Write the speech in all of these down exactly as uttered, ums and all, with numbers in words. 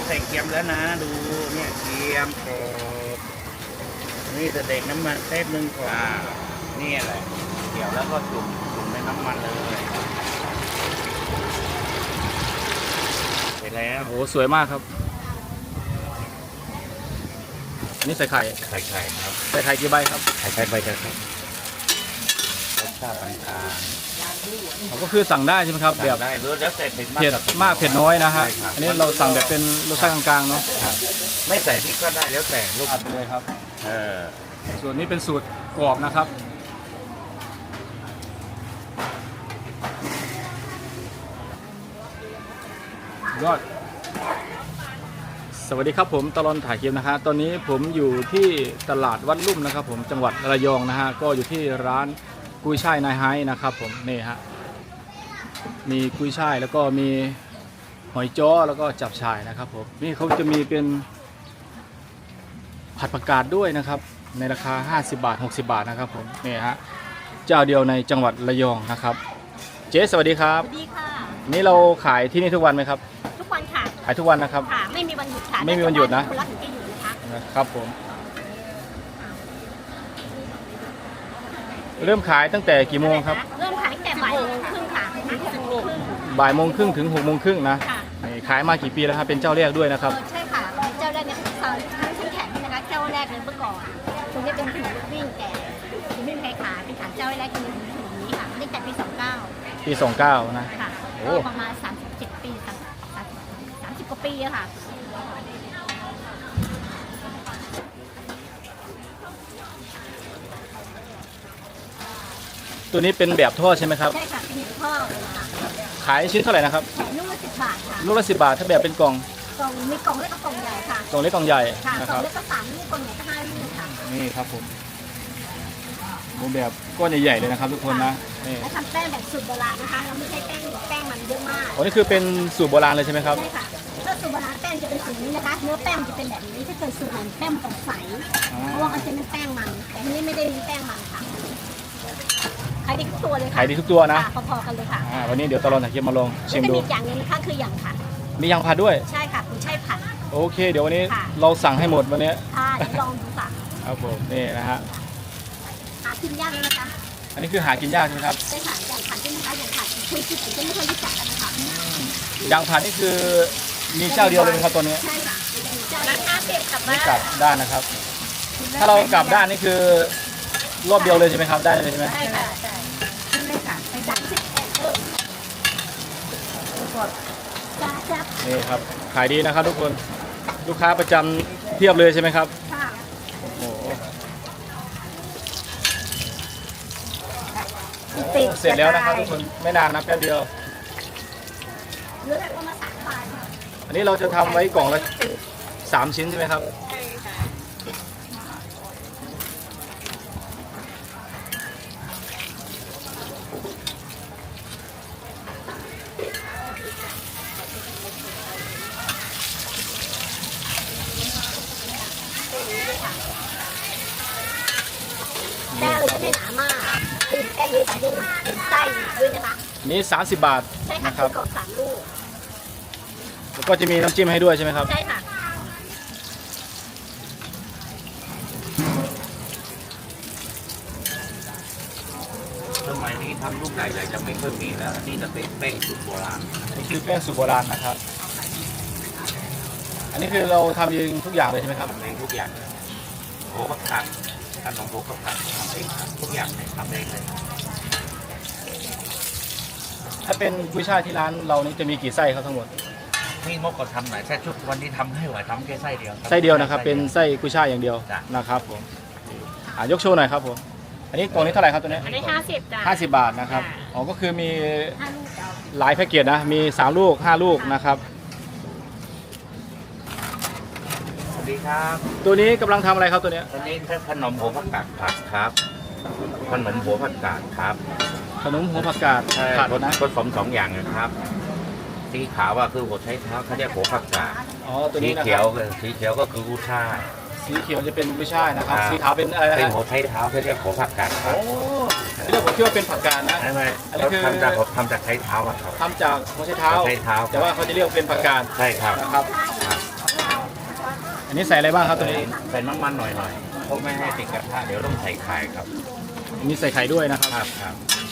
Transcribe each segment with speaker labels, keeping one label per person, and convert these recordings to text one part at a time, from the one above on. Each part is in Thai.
Speaker 1: ใส่เกียมแล้วนะดูเนี่ยเกียมกรอบนี่จะเด็กน้ำมันเต้มหนึ่งก่อนนี่แหละเกี่ยวแล้วก็จุ่มจุ่มในน้ำมันเลยเสร็จแล้ว
Speaker 2: โอ้โหสวยมากครับอันนี้ใส่ไข่
Speaker 1: ไข่ไข่ครับ
Speaker 2: ใส่ไข่กี่ใบครับ
Speaker 1: ไข่ไข่ใบกระครับรสชาติต่าง
Speaker 2: เขาก็คือสั่งได้ใช่ไหมครับ
Speaker 1: ๆ
Speaker 2: แบบ
Speaker 1: ได้รู้แล้วแต่เผ็ดมาก
Speaker 2: เผ็ด
Speaker 1: กับ
Speaker 2: มากเผ็ดน้อยนะฮะ
Speaker 1: ใช่ครับ
Speaker 2: อันนี้เราสั่งแบบเป็นรสชาติกลางๆเนาะ
Speaker 1: ครับไม่ใส่พริกก็ได้แล้วแต่ลูก
Speaker 2: อัดไปเลยครับ
Speaker 1: เออ
Speaker 2: ส่วนนี้เป็นสูตรกรอบนะครับยอดสวัสดีครับผมตลอดถ่ายคลิปนะฮะตอนนี้ผมอยู่ที่ตลาดวัดลุ่มนะครับผมจังหวัดระยองนะฮะก็อยู่ที่ร้านกุ้ยช่ายนายไฮนะครับผมนี่ฮะมีกุ้ยช่ายแล้วก็มีหอยจ้อแล้วก็จับฉ่ายนะครับผมนี่เขาจะมีเป็นผัดผักกาดด้วยนะครับในราคาห้าสิบบาทหกสิบบาทนะครับผมนี่ฮะเจ้าเดียวในจังหวัดระยองนะครับเจ๊สวัสดีครับ
Speaker 3: สวัสดีค่ะ
Speaker 2: นี่เราขายที่นี่ทุกวันไหมครับ
Speaker 3: ทุกวันค่ะ
Speaker 2: ขายทุกวันนะครับ
Speaker 3: ค่ะ ไม่มีวันหยุดค่ะ
Speaker 2: ไม่มีวันหยุดนะ
Speaker 3: คนรักถึงจะหยุดนะคะ
Speaker 2: นะครับผมเริ่มขายตั้งแต่กี่โมงครับ
Speaker 3: เริ่มขายตั้งแต่บ่ายโมงครึ่งค่ะถึงหกโมงครึ่ง
Speaker 2: บ่ายโมงครึ่งถึงหกโมงครึ่งนะ
Speaker 3: ค่ะ
Speaker 2: นี่ขายมากี่ปีแล้วครับเป็นเจ้าแรกด้วยนะครับ
Speaker 3: เออใช่ค่ะเจ้าแรกเนี่ยซอยทั้งชั้นแข็งนี่นะคะเจ้าแรกเลยเมื่อก่อนตรงนี้เป็นถนนวิ่งแก่ที่ไม่มีใครขายเป็นฐานเจ้าแรกคือถนนนี้ค่ะตั้งแต่ปีสองเก้า
Speaker 2: ปีสองเก้านะ
Speaker 3: ค่ะ
Speaker 2: โอ้
Speaker 3: ก็ประมาณสามสิบเจ็ดปีสามสามสิบกว่าปีอะค่ะ
Speaker 2: ตัวนี้เป็นแบบทอดใช่ไหมครับ
Speaker 3: ใช่ค่ะเป็นพ่อเลยค่ะ
Speaker 2: ขายชิ้นเท่าไหร่นะครับ
Speaker 3: ลูกละสิบบาทค่ะ
Speaker 2: ลูกละสิบบาทถ้าแบบเป็นกล่อง
Speaker 3: กล่องมีกล่องเล็กกับกล่องใหญ่ค่ะ
Speaker 2: กล่องเล็กกล่องใหญ่
Speaker 3: ค่ะ
Speaker 2: นะ
Speaker 3: ก
Speaker 2: ค
Speaker 3: ล่อ
Speaker 2: รั
Speaker 3: ง
Speaker 2: บ
Speaker 3: เล็กก็สามลูกกล่องใหญ่ก็ห้าลูกค่ะ
Speaker 2: นี่ครับผมหมูแบบก้อนใหญ่ๆเลยนะครับทุกคนนะนี่
Speaker 3: และทำแป้งแบบสูตรโบราณนะคะเราไม่ใช่แป้งแป้งมันเยอะมาก
Speaker 2: อ๋อนี่คือเป็นสูตรโบราณเลยใช่ไหมครับ
Speaker 3: ใช่ค่ะถ้าสูตรโบราณแป้งจะเป็นสีนี้นะคะ เนื้อแป้งจะเป็นแบบนี้ถ้าเกิดสูตรเหมือนแป้งมันต้องใสเพราะว่ามันจะเป็นแป้งมัน แต่ที่นี่ไม่ได้มีแป้งมันค่ะขายดีทุกตัวเลยค่ะ
Speaker 2: ขายดีทุกตัวนะ
Speaker 3: ค่ะพอๆกันเลยค่ะ
Speaker 2: อ่าวันนี้เดี๋ยวตลอดถ่ายคลิปมาลองชิ
Speaker 3: แล้ว
Speaker 2: ม
Speaker 3: จะ
Speaker 2: ดู
Speaker 3: มีอีกอย่างหนึงนะคะคืออย่างผัด
Speaker 2: มียางผัดด้วย
Speaker 3: ใช่ค่ะคุณใช่ผัด
Speaker 2: โอเค เดี๋ยววันนี้
Speaker 3: ค่ะ
Speaker 2: เราสั่งให้หมดวันนี้
Speaker 3: ค่ะเดี๋ยวลองดูค่ะ
Speaker 2: ครับผมนี่นะฮะ
Speaker 3: หากินยากเลยนะคะ
Speaker 2: อันนี้คือหากินยากใช่ไหมครับ
Speaker 3: ใช่ค่ะอย่างผัดใช่ไหมคะอย่างผัดคุยคิดถึงจะไม่ค่อยรู้จักกันนะคะ
Speaker 2: ยางผัดนี่คือมีเจ้าเดียวเลยไหมครับตัวนี้
Speaker 3: ใช่ค่ะราคาเก็บกลับ
Speaker 2: ไม่
Speaker 3: บ้าน
Speaker 2: กลับด้านนะครับ ถ้าเรากลับด้านนี่คือรอบเดียวเลยใช่ไหมครับได้เลยใช่ไหม
Speaker 3: ใช่ค่ะใช่ขึ้นเลยค่ะไปจัดสิบเอ็ดเออจ้าจับ
Speaker 2: นี่ครับขายดีนะครับทุกคนลูกค้าประจำเทียบเลยใช่ไหมครับ
Speaker 3: ค่ะ
Speaker 2: โอ้โห
Speaker 3: ติด
Speaker 2: เสร็จแล้วนะครับทุกคนไม่นานนะแป๊บเดียว
Speaker 3: เหลือแต่ประมาณสามบาทค่ะ
Speaker 2: อันนี้เราจะทำไว้กล่องละสามชิ้นใช่ไหมครับ
Speaker 3: ใช่ค่ะแป้งเลยจะไม่หนามากคือแป้งเยอะใส่ด้วยไส้ด้วยนะคะ
Speaker 2: อันนี้สามสิบบาท
Speaker 3: ใช่ค่ะ
Speaker 2: นะครับ
Speaker 3: กรอบสามลูก
Speaker 2: แล้วก็จะมีน้ำจิ้มให้ด้วยใช่ไหมครับ
Speaker 3: ใช่ค่ะ
Speaker 1: สมัยนี้ทำลูกใหญ่ๆจะไม่ค่อยมีแล้วอันนี่จะเป็นแป้งสูตรโบราณ
Speaker 2: อันนี้คือแป้งสูตรโบราณนะครับ อันนี้คือเราทำเองทุกอย่างเลยใช่ไหมครับ
Speaker 1: ทำเองทุกอย่างโอ้ก็ตัดขนมโบก็ตัดทำเองครับทุกอย่างเนี่ยทำเองเลย
Speaker 2: ถ้าเป็นกุ้ยช่ายที่ร้านเรานี่จะมีกี่ไส้ครับทั้งหมด
Speaker 1: นี่มกก็ทำหน่อยแค่ชุดวันนี้ทำให้ไหวทำแค่ไส้เดียว
Speaker 2: ไส้เดียวนะครับเป็นไส้กุ้ยช่ายอย่างเดียว
Speaker 1: จ้ะ
Speaker 2: นะครับผมอ่ายกโชว์หน่อยครับผมอันนี้กล่องนี้เท่าไหร่ครับตัวนี้
Speaker 3: อันนี้ห้าสิบจ้ะ
Speaker 2: ห้าสิบบาทนะครับอ๋อก็คือมี
Speaker 3: ห้าลูกจ้ะ
Speaker 2: หลายแพ็กเกจนะมีสามลูกห้าลูกนะครับ
Speaker 1: สวัสดีครับ
Speaker 2: ตัวนี้กำลังทำอะไรครับตัวเนี้ย
Speaker 1: ตอนนี้ถ้าขนมหัวผักกาดผัดครับขนมหัวผักกาดครับ
Speaker 2: ขนมหัวผักกาด
Speaker 1: ใช่
Speaker 2: ผัด
Speaker 1: ผ
Speaker 2: นะ
Speaker 1: สมสองอย่างนะครับสีขาวว่าคือหัวไชเท้าเขาเรียกหัวผักกาด
Speaker 2: อ๋อตัว
Speaker 1: สี
Speaker 2: นี้นะค
Speaker 1: เขีย
Speaker 2: รั
Speaker 1: ว
Speaker 2: บ
Speaker 1: สีเขียวก็คือกุ้ยช่าย
Speaker 2: สีเขียวจะเป็นกุ้ยช่ายนะครับ
Speaker 1: ครับ
Speaker 2: สีขาวเป็นอะไรนะ
Speaker 1: เป็น
Speaker 2: ฮะ
Speaker 1: หัวไชเท้าเขาเรียกหัวผักกาดครั
Speaker 2: โอ้
Speaker 1: บ
Speaker 2: ที่เราผมคิดว่าเป็นผักกาดนะ
Speaker 1: ใช่ไหม
Speaker 2: อันนี้คือ
Speaker 1: ทำจากทำจากไชเท้าอะครับ
Speaker 2: ทำจากหัวไชเท้า
Speaker 1: หัวไชเท้า
Speaker 2: แต่ว่าเขาจะเรียกเป็นผักกาด
Speaker 1: ใช่ครับ
Speaker 2: นะครับ
Speaker 1: ครับ
Speaker 2: อันนี้ใส่อะไรบ้างครับตัวนี้
Speaker 1: ใส่น้ำมันหน่อยๆเพราะไม่ให้ติดกระทะเดี๋ยวต้องใส่ไข่ครับ
Speaker 2: อันนี้ใส่ไข่ด้วยนะครับ
Speaker 1: ครับครับ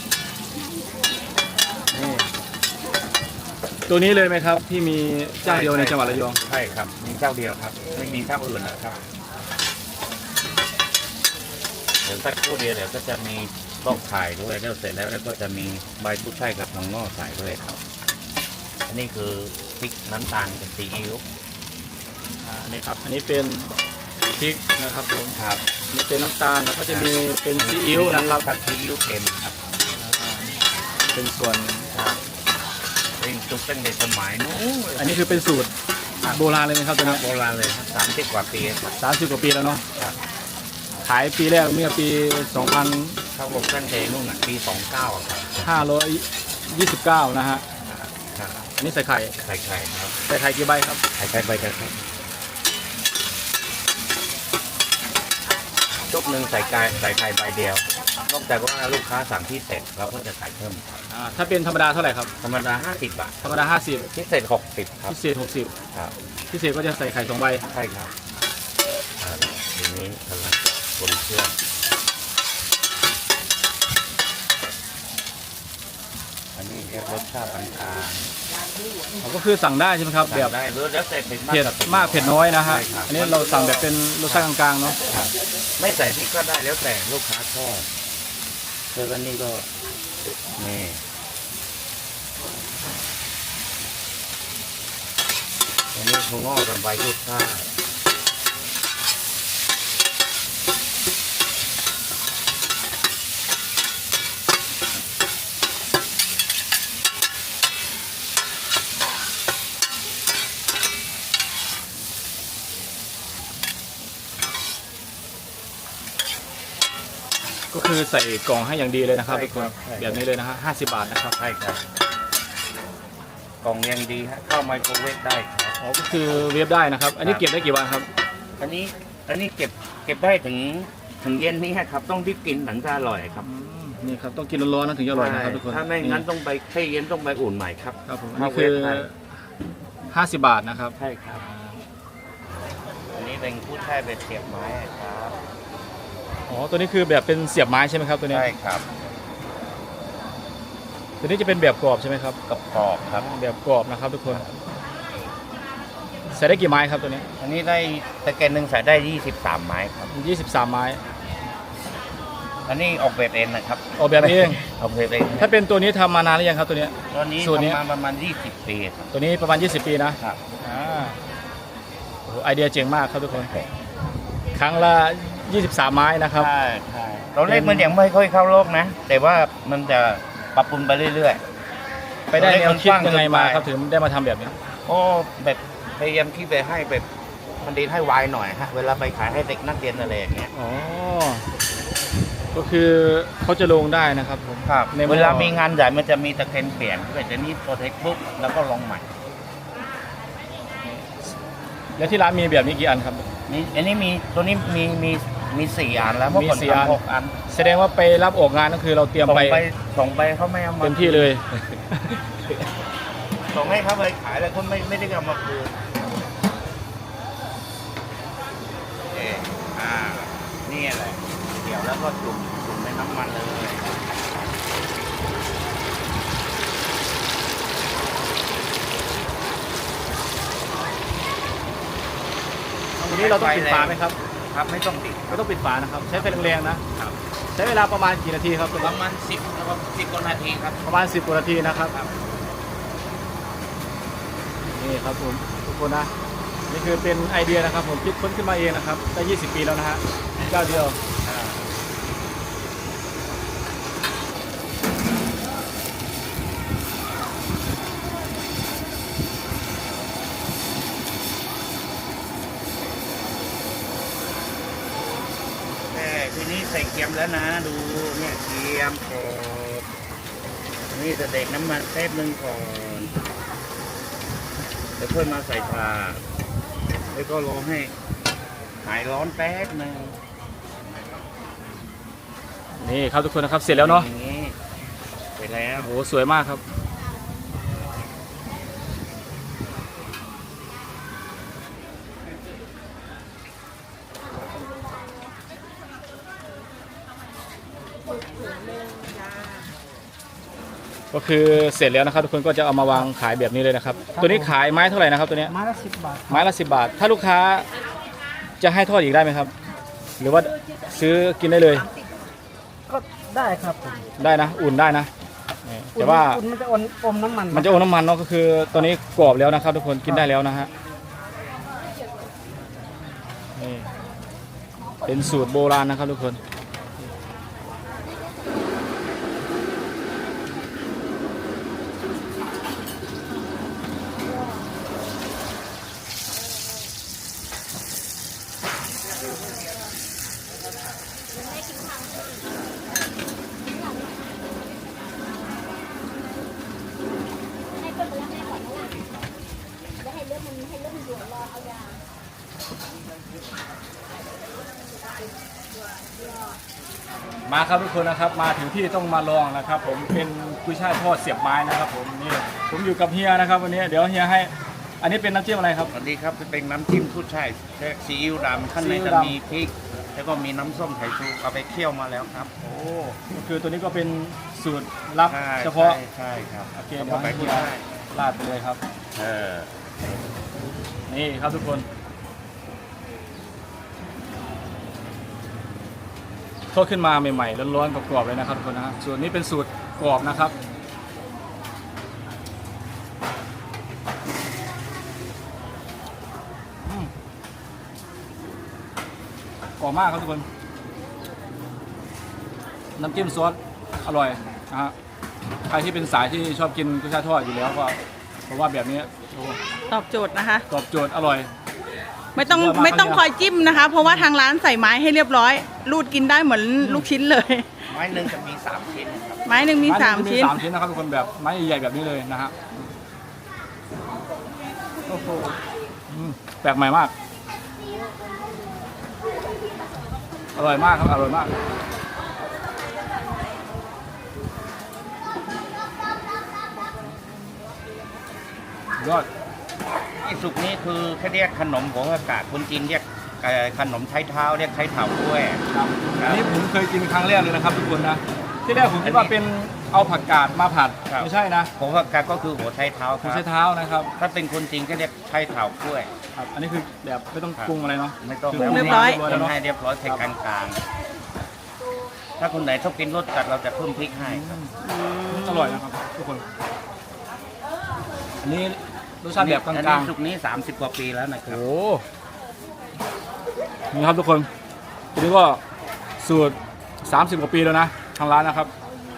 Speaker 2: นี่ตัวนี้เลยไหมครับที่มีเจ้าเดียวในจังหวัดระยอง
Speaker 1: ใช่ครับมีเจ้าเดียวครับไม่มีเจ้าอื่นนะครับเดี๋ยวสักครู่เดียวเดี๋ยวก็จะมีลอกไข่ด้วยแล้วเสร็จแล้วแล้วก็จะมีใบกุ้ยช่ายกับทองงอกใส่ด้วยครับอันนี้คือพริกน้ำตาลกับซีอิ๊ว
Speaker 2: อ่านี่ครับอันนี้เป็นพริกนะครับผม
Speaker 1: ครับ
Speaker 2: อันนี่เป็นน้ำตาลแล้วก็จะมีเป็นซีอิ๊วนะครับ
Speaker 1: กับซีอิ๊วเค็มครับ
Speaker 2: เป็นส่วน
Speaker 1: ครับเป็นตุกตั้งแต่สมัยนู้น
Speaker 2: อันนี้คือเป็นสูตรโบราณเลยไหมครับตัวนี้
Speaker 1: โบราณเลยครับสามสิบกว่าปีครับ
Speaker 2: สามสิบกว่าปีแล้วเนาะ
Speaker 1: ครับ
Speaker 2: ขายปีแรกเมื่อปี สองพัน
Speaker 1: เข้าลงตั้งแต่นู่นน่ะปีสองเก้าครับ
Speaker 2: ห้าร้อยยี่สิบเก้านะฮะ
Speaker 1: ครับ
Speaker 2: อันนี้ใส่ไข่
Speaker 1: ไข่ไข่ครับ
Speaker 2: ใส่ไข่กี่ใบครับ
Speaker 1: ไข่ไข่ใบกระครับชุดหนึ่งใส่ไก่ใส่ไข่ใบเดียวนอกจากว่าลูกค้าสั่งพิเศษเราก็จะใส่เพิ่มครับ
Speaker 2: อ่าถ้าเป็นธรรมดาเท่าไหร่ครับ
Speaker 1: ธรรมดาห้าสิบบาท
Speaker 2: ธรรมดาห้าสิบ
Speaker 1: พิเศษหกสิบครับ
Speaker 2: พิเศษหกสิบ
Speaker 1: ครับ
Speaker 2: พิเศษก็จะใส่ไข่สองใบ
Speaker 1: ใช่ครับอ่าทีนี้กำลังบนเครื่องอันนี้เรียกรสชาติปานกลาง
Speaker 2: อ๋อก็คือสั่งได้ใช่ไหมครับแบบ
Speaker 1: ได้หรือแล้วแต่เผ็ด
Speaker 2: เผ็ด
Speaker 1: กับ
Speaker 2: มากเผ็ดน้อยนะฮะ
Speaker 1: ใช่ครับ
Speaker 2: อันนี้เราสั่งแบบเป็นรสชาติกลางๆเนาะ
Speaker 1: ครับไม่ใส่พริกก็ได้แล้วแต่ลูกค้าชอบแล้วก็นี่ก็นี่อันนี้ถั่วงอกกับใบกุดช่าย
Speaker 2: ก็คือใส่กล่องให้อย่างดีเลยนะครับ
Speaker 1: ใช่
Speaker 2: ทุกคน
Speaker 1: ครับใช่
Speaker 2: แบบนี้เลยนะฮะห้าสิบบาทนะครับ
Speaker 1: ใช่ครับกล่องยังดีฮะเข้าไมโครเวฟได้ครับ
Speaker 2: อ๋อก็คือเวฟได้นะครับ อันนี้
Speaker 1: ครับ
Speaker 2: เก็บได้กี่วันครับ
Speaker 1: อันนี้อันนี้เก็บเก็บได้ถึงถึงเย็นนี้ครับ ต้องรีบกินถึงจะอร่อยครับ
Speaker 2: อืมนี่ครับต้องกินร้อนๆนะถึงจะอร่อยนะครับทุกคน
Speaker 1: ถ้าไม่งั้นต้องไปให้เย็นต้องไปอุ่นใหม่ครับ
Speaker 2: ครับผมอัน
Speaker 1: มา
Speaker 2: นี้
Speaker 1: เว
Speaker 2: คือ
Speaker 1: ฟได้
Speaker 2: ห้าสิบบาทนะครับ
Speaker 1: ใช่ครับ อันนี้เป็นผู้ชายเป็นเสียบไม้ครับ
Speaker 2: อ๋อตัวนี้คือแบบเป็นเสียบไม้ใช่ไหมครับตัวนี้
Speaker 1: ใช่ครับ
Speaker 2: ตัวนี้จะเป็นแบบกรอบใช่ไหมครับ
Speaker 1: กับกรอบครับ
Speaker 2: แบบกรอบนะครับทุกคนใส่ได้กี่ไม้ครับตัวนี้
Speaker 1: อันนี้ได้ตะแกรงหนึ่งใส่ได้ยี่สิบสามไม้ครับ
Speaker 2: ยี่สิบสามไม้
Speaker 1: อันนี้ออกแบบเองนะครับ
Speaker 2: ออกแบบนี้เอง
Speaker 1: ออกแบบเอง
Speaker 2: ถ้าเป็นตัวนี้ทำมานานหรือยังครับตัวเนี้ย
Speaker 1: ตอนนี้
Speaker 2: สูตรนี้
Speaker 1: ทำมาประมาณยี่สิบปีครับ
Speaker 2: ตัวนี้ประมาณยี่สิบปีนะครับ อ่าโอ้โหไอเดียเจ๋งมากครับทุกคนครั้งละยี่สิบสามไม้นะครับ
Speaker 1: ใช่ใช่ตอนแรกมันยังไม่ค่อยเข้าโลกนะ แต่ว่ามันจะปรับปรุงไปเรื่อย
Speaker 2: ไปได้แนวคิดยังไงมา
Speaker 1: ตัวเลขมันกว้าง
Speaker 2: ครับถึงได้มาทำแบบนี้
Speaker 1: ๆ โอ้แบบพยายามคิดไปให้แบบมันดีให้ไวหน่อยฮะ เวลาไปขายให้เด็กนักเรียนอะไรอย่างเงี้ย
Speaker 2: อ๋อก็คือเขาจะลงได้นะครับผม
Speaker 1: ครับ
Speaker 2: ในหม้อ
Speaker 1: เวลามีงานใหญ่มันจะมีตะเคนเปลี่ยนแต่จะนี้โปรเทคปุ๊บแล้วก็ลงใหม่
Speaker 2: แล้วที่ร้านมีแบบนี้กี่อันครับ
Speaker 1: นี่อันนี้มีตัวนี้มีมีมีสี่อันแล้วเมื่อก่อน
Speaker 2: มีสี่อัน
Speaker 1: ทำหกอัน
Speaker 2: แสดงว่าไปรับออกงานก็คือเราเตรียม
Speaker 1: ส่ง
Speaker 2: ไป
Speaker 1: ไปส่งไปเขาไม่เอามา
Speaker 2: เต็มที่เลย
Speaker 1: ส่งให้เขาไปขายแล้วเขาไม่ไม่ได้เอามาคืนเอออ่านี่แหละเดี๋ยวแล้วก็จุ่มจุ่มในน้ำมันเลย
Speaker 2: ทีนี้เราต้องปิดฝาไหมครับ
Speaker 1: ครับไม่ต้องติด
Speaker 2: ไม่ต้องปิดฝานะครับ ใช้ไฟแรงๆนะใช้เวลาประมาณกี่นาทีครับ
Speaker 1: ประมาณสิบนะครับสิบกว่านาทีครับ
Speaker 2: ประมาณสิบกว่านาทีนะครับ
Speaker 1: ครับ
Speaker 2: นี่ครับผมทุกคนนะนี่คือเป็นไอเดียนะครับผมคิดค้นขึ้นมาเองนะครับได้ยี่สิบปีแล้วนะฮะเจ้าเดียว
Speaker 1: อ่าแค่ทีนี้ใส่เกียมแล้วนะ ดูเนี่ยเกียมกรอบนี่จะเด็กน้ำมันแป๊บนึงก่อนแล้วค่อยมาใส่ปลาแล้วก็รอให้หายร้อนแป๊บนึง
Speaker 2: นี่ครับทุกคนนะครับเสร็จแล้วเนาะ
Speaker 1: อย่างนี้ไปแล้ว
Speaker 2: โอ้โหสวยมากครับก็คือเสร็จแล้วนะครับทุกคนก็จะเอามาวางขายแบบนี้เลยนะครับตัวนี้ขายไม้เท่าไหร่นะครับตัวเนี้ย
Speaker 4: ไม้ละสิบบาท
Speaker 2: ไม้ละสิบบาทถ้าลูกค้าจะให้ทอดอีกได้ไหมครับ หรือว่าซื้อกินได้เลย
Speaker 4: ก็ได้ครับผม
Speaker 2: ได้นะอุ่นได้นะนี่แต่ว่า
Speaker 4: อุ่นมันจะอมอมน้ำมัน
Speaker 2: มันจะอมน้ำมันเนาะก็คือตัวนี้กรอบแล้วนะครับทุกคนกินได้แล้วนะฮะนี่เป็นสูตรโบราณนะครับทุกคนมาครับทุกคนนะครับมาถึงที่ต้องมาลองนะครับ ผมเป็นกุ้ยช่ายทอดเสียบไม้นะครับ ผมนี่ผมอยู่กับเฮียนะครับวันนี้เดี๋ยวเฮียให้อันนี้เป็นน้ำจิ้มอะไรครับ
Speaker 1: สวัสดีครับเป็นน้ำจิ้มผู้ชายซีอิ๊วดำข้างใน
Speaker 2: ซีอิ๊ว
Speaker 1: จะ
Speaker 2: ดำ
Speaker 1: มีพริก แล้วก็มีน้ำส้มไข่ชูเอาไปเคี่ยวมาแล้วครับ
Speaker 2: โอ้ก็คือตัวนี้ก็เป็นสูตรลับ
Speaker 1: ใช่
Speaker 2: เฉพาะ
Speaker 1: ใช่ใช่ครับ
Speaker 2: โอเค
Speaker 1: แล้ว
Speaker 2: เดี๋
Speaker 1: ก็
Speaker 2: ยว
Speaker 1: ไป
Speaker 2: ให้เฮี
Speaker 1: ที่
Speaker 2: ย
Speaker 1: ได้
Speaker 2: ราดไปเลยครับ
Speaker 1: เออ
Speaker 2: นี่ครับทุกคนทอดขึ้นมาใหม่ๆร้อนๆกรอบๆเลยนะครับทุกคนนะฮะส่วนนี้เป็นสูตรกรอบนะครับอืมกรอบมากครับทุกคนน้ำจิ้มซอสอร่อยนะฮะใครที่เป็นสายที่ชอบกินกุ้ยช่ายทอดอยู่แล้วก็เพราะว่าแบบนี้โอ้
Speaker 5: ตอบโจทย์นะคะ
Speaker 2: ตอบโจทย์อร่อย
Speaker 5: ไม่ต้อง
Speaker 2: สุดยอดมาก
Speaker 5: ไม่ต้อง
Speaker 2: ครับ
Speaker 5: คอยจิ้มนะคะ เพราะว่าทางร้านใส่ไม้ให้เรียบร้อย รูดกินได้เหมือนลูกชิ้นเลย
Speaker 1: ไม้หนึ่งจะมีสามชิ้นครับ
Speaker 5: ไม้หนึ่งมีสาม
Speaker 2: ไ
Speaker 5: ชิ้น
Speaker 2: สามชิ้นนะครับทุกคนแบบไม้ใหญ่ๆแบบนี้เลยนะฮะโอ้โหอืมแปลกใหม่มากอร่อยมากครับอร่อยมากยอด
Speaker 1: ไอ้สุกนี้คือเขาเรียกขนมหัวผักกาดคนจีนเรียกเอ่อขนมไทยเท้าเรียกไทยเถากล้วย
Speaker 2: ครับอันนี้ผมเคยกินครั้งแรกเลยนะครับทุกคนนะที่แรกผมคิดว่าเป็นเอาผักกาดมาผัด
Speaker 1: ครับ
Speaker 2: ไม่ใช่นะ
Speaker 1: หัวผักกาดก็คือหัวไทยเท้าค
Speaker 2: ไม่
Speaker 1: รับ
Speaker 2: ใช่เท้านะครับ
Speaker 1: ถ้าเป็นคนจีนก็เรียกไทยเถากล้วย
Speaker 2: ครับอันนี้คือแบบไม่ต้อง
Speaker 1: ครับ
Speaker 2: ปรุงอะไรเนาะ
Speaker 1: ไม่ต้อง
Speaker 2: คื
Speaker 5: ปรุงเรียบร้อย
Speaker 1: ปรุงให้เรียบร้อยใส่กลางๆถ้าคนไหนชอบกินรสจัดเราจะเพิ่มพริกให้ครับ
Speaker 2: อร่อยนะครับทุกคนอันนี้รสชาติแบบก
Speaker 1: อัน
Speaker 2: ลา
Speaker 1: นี้
Speaker 2: ง
Speaker 1: สุกนี้สามสิบกว่าปีแล้วนะ
Speaker 2: ๆ
Speaker 1: ครับ
Speaker 2: โอ้นี่ครับทุกคนทีนี้ก็สูตรสามสิบกว่าปีแล้วนะทางร้านนะครับ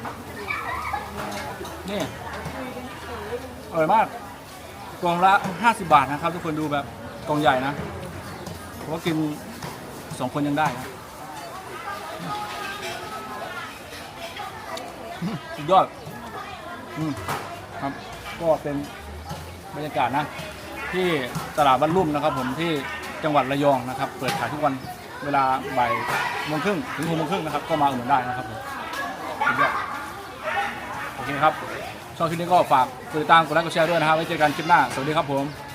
Speaker 2: นี่อร่อยมากกล่องละห้าสิบบาทนะครับทุกคนดูแบบกล่องใหญ่นะผมว่ากินสองคนยังได้นะสุดยอดอืมครับก็เป็นบรรยากาศนะที่ตลาดบ้านลุ่มนะครับผมที่จังหวัดระยองนะครับเปิดขายทุกวันเวลาบ่ายโมงครึ่งถึงหกโมงครึ่งนะครับก็มาอุดหนุนได้นะครับผมสุดยอดโอเคครับช่องคลิปนี้ก็ฝากกดติดตามกดไลค์กดแชร์ด้วยนะครับไว้เจอกันคลิปหน้าสวัสดีครับผม